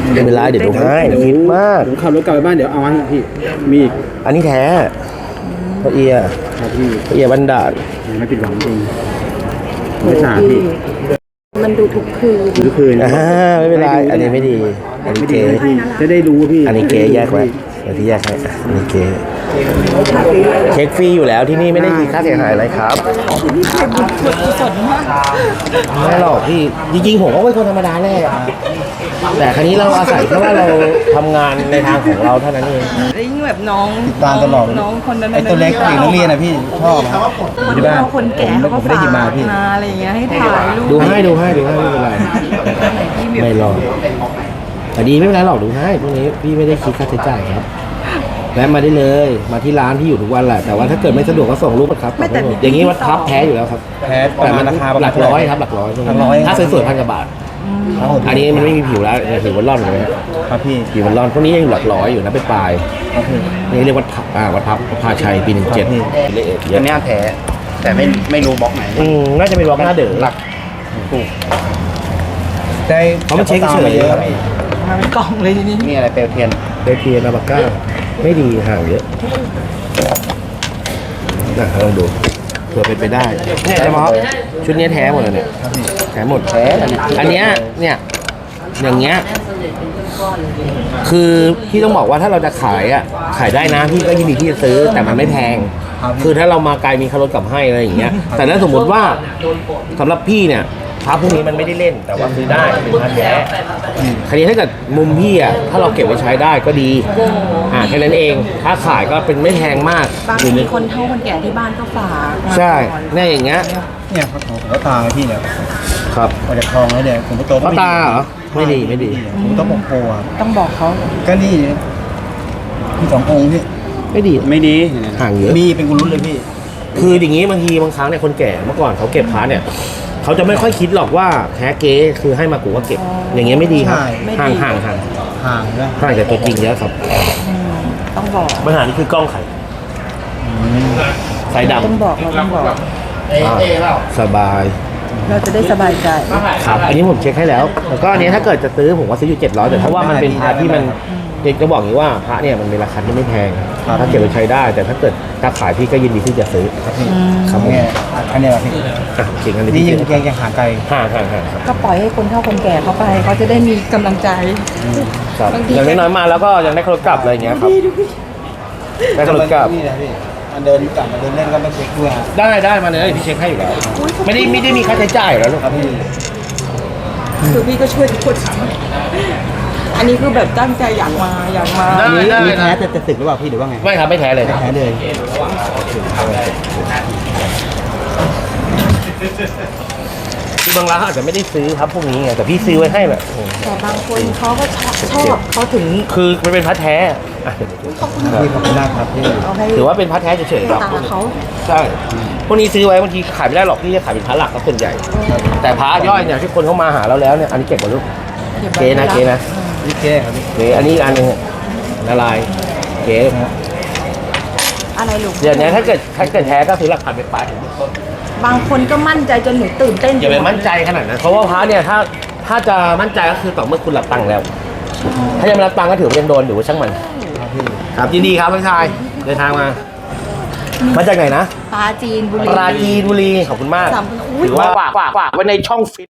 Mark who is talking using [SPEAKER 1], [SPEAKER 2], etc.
[SPEAKER 1] ไม่เป็นไรเดี๋ยวดูให้คิดมาก
[SPEAKER 2] ผมขับรถกลับไปบ้านเดี๋ยวเอาให้พี่มีอีก
[SPEAKER 1] อันนี้แท้พระเอีย
[SPEAKER 2] ครับพี่
[SPEAKER 1] พระเอียบันดาล
[SPEAKER 2] ไม่ผิดหวังจริงไม่สาพี่
[SPEAKER 3] มันดูทุกคืน
[SPEAKER 1] ไม่เป็นไรอันนี้ไม่ดีอันนี้เก๋
[SPEAKER 2] จะได้รู้พี่
[SPEAKER 1] อันนี้เก๋แยกไว้เดี๋ยวที่แยกให้อันนี้เก๋เช็คฟรีอยู่แล้วที่นี่ไม่ได้คิดค่าเสียหายอะไรครับไม่หรอกพี่จริงๆผมก็เป็นคนธรรมดาแหละแต่ครั้นี้เราอาศัยแค่ว่าเราทำงานในทางของเราเท่านั้นเอง
[SPEAKER 3] ยิ่งแบบน้อง
[SPEAKER 2] ติดตามตลอด
[SPEAKER 3] น้องคนนั้น
[SPEAKER 2] ไอ้ตัวเล็กอยู่นักเรียนนะพี่ชอบครับ
[SPEAKER 3] ที่บ้านคนแก่เขาก็ฝากมาอะไรอย่างเงี้ยให้ถ่ายรูป
[SPEAKER 1] ดูให้ไม่เป็นไรไม่หรอกแต่ดีไม่เป็นไรหรอกดูให้พวกนี้พี่ไม่ได้คิดค่าใช้จ่ายครับแวะมาได้เลยมาที่ร้านที่อยู่ทุกวันแหละแต่ว่าถ้าเกิดไม่สะดวกก็ส่งรูปครับอย่างนี้วัดพับแท้อยู่แล้วครับ
[SPEAKER 2] แท้แต่มันราคา
[SPEAKER 1] หลักร้อยครับหลักร้อยถ้าสวยๆ1,000 กว่าบาทอันนี้มันไม่มีผิวแล้วผิวมันร่อนเลย
[SPEAKER 2] ครับพี่
[SPEAKER 1] ผิวมันร่อนพวกนี้ยังอยู่หลักร้อยอยู่นะเป็นปลายนี่เรียกวัดพับพาชัยปี17
[SPEAKER 2] อันนี้แท้แต่ไม่รู้บล็อกไหน
[SPEAKER 1] น่าจะเป็นบล็อกหน้าเดือดหลัก
[SPEAKER 2] ถูกได้
[SPEAKER 1] เขามาเช็คเฉยครับ
[SPEAKER 3] มาเป็นกล่องเลยทีนี้
[SPEAKER 2] มีอะไรเปลวเทียน
[SPEAKER 1] อาบาก้าไม่ดีห่างเยอะลองดูเผื่อเป็นไปได้เนี่ยจะมาชุดนี้แท้หมดเลยเนี่ยแท้หมดอันเนี้ยเนี่ยอย่างเงี้ยคือพี่ต้องบอกว่าถ้าเราจะขายอ่ะขายได้นะพี่ก็ยินดีที่จะซื้อแต่มันไม่แพงคือถ้าเรามาไกลมีคารถกลับให้อะไรอย่างเงี้ยแต่ถ้าสมมติว่าสำหรับพี่เนี่ยพระพวกนี้มันไม่ได้เล่นแต่ว่าซื้อได้เป็นพระแท้คราวนี้ถ้าเกิดมุมพี่อ่ะถ้าเราเก็บไว้ใช้ได้ก็ดีแค่นั้นเองถ้าขายก็เป็นไม่แพงมาก
[SPEAKER 3] บางทีคนเฒ่าคนแก่ที่บ้านก็ฝาก
[SPEAKER 1] ใช่เนี่ยอย่างเงี้ย
[SPEAKER 2] เนี่ยผมก็ตาพี่เนี่ย
[SPEAKER 1] ครับ
[SPEAKER 2] มาจากคลองแล้วเนี่ยผมก็โต
[SPEAKER 1] ก็ตาเหรอไม่ดี
[SPEAKER 2] ผมต้องบอกโพ
[SPEAKER 3] ต้องบอกเขา
[SPEAKER 2] ก็นี่พี่2 องค์พี่
[SPEAKER 1] ไม่ดีห่างเยอะ
[SPEAKER 2] มีเป็นกุลุ้นเลยพี่
[SPEAKER 1] คืออย่างงี้บางทีบางครั้งเนี่ยคนแก่เมื่อก่อนเขาเก็บพระเนี่ยเขาจะไม่ค่อยคิดหรอกว่าแท้เก๊คือให้มากูก็เก็บอย่างเงี้ยไม่ดีครับห่างจากตัวจริงเยอะครับ
[SPEAKER 3] ต้องบอก
[SPEAKER 1] ปัญหานี้คือกล้องไข่สายดำ
[SPEAKER 3] ต้องบอก
[SPEAKER 1] สบาย
[SPEAKER 3] เราจะได้สบายใจ
[SPEAKER 1] ครับอันนี้ผมเช็คให้แล้วแล้วก็อันนี้ถ้าเกิดจะซื้อผมว่าซื้ออยู่700แต่เพราะว่ามันเป็นพระที่มันเด็กจะบอกอย่างนี้ว่าพระเนี่ยมันมีราคาที่ไม่แพงถ้าเก็บไปใช้ได้แต่ถ้าเกิดถ้าขายพี่ก็ยินดีที่จะซื้อ
[SPEAKER 2] ครับเนี่ยอันนี้พี่
[SPEAKER 1] จริงอันนี้
[SPEAKER 2] นี่ยังห่างไกล
[SPEAKER 1] ห่าง
[SPEAKER 3] ก็ปล่อยให้คนเฒ่าคนแก่เขาไปเขาจะได้มีกำลังใจ
[SPEAKER 1] อย่างน้อยมาแล้วก็ยังได้คารถกลับอะไรอย่างเงี้ยครับได้คารถกลับ
[SPEAKER 2] เดินกลับมาเดินเล่นก็ไม่เช็คด้วย
[SPEAKER 1] ได้มาเลยพี่เช็คให้อยู่แล้วไม่ได้มีค่าใช้จ่ายแล้วลูกครับพี่
[SPEAKER 3] คือพี่ก็ช่วยทุกคนอันนี้คือแบบตั้งใจอยากมา
[SPEAKER 2] มีแท้แต่จะตึกหรือเปล่าพี่หรือว่าไง
[SPEAKER 1] ไม่ครับไม่แท้เลยคือบางร้านอาจจะไม่ได้ซื้อครับพวกนี้ไงแต่พี่ซื้อไว้ให้แบบ
[SPEAKER 3] แต่บางคนเขาก็ชอบเขาถึง
[SPEAKER 1] คือมันเป็นพระแท้
[SPEAKER 2] ขอบคุณมากครับพี่
[SPEAKER 1] ถือว่าเป็นพระแท้เฉยๆครับใช่พวกนี้ซื้อไว้บางทีขายไม่ได้หรอกพี่จะขายเป็นพระหลักครับส่วนใหญ่แต่พระย่อยเนี่ยที่คนเข้ามาหาเราแล้วเนี่ยอันนี้เก็บหมดลูกเก๋นะ
[SPEAKER 2] นี่เก๋ครับ
[SPEAKER 1] นี่อันนี้อันนึงละลายเก๋
[SPEAKER 3] อะไรลูก
[SPEAKER 1] เดี๋ยวนี้ถ้าเกิดแท้ก็ซื้อหลักพันไป
[SPEAKER 3] บางคนก็มั่นใจจนหนูตื่นเต้น
[SPEAKER 1] อย่าไปมั่นใจขนาดนั้นเพราะว่าพระเนี่ยถ้าจะมั่นใจก็คือต่อเมื่อคุณรับตังค์แล้วถ้ายังไม่รับตังค์ก็ถือว่ายังโดนอยู่ช่างมันครับยินดีครับพี่ชายเดินทางมาจากไหนนะ
[SPEAKER 3] ปราจีนบุรี
[SPEAKER 1] ขอบคุณมากถือว่าฝากไว้ในช่องฟิต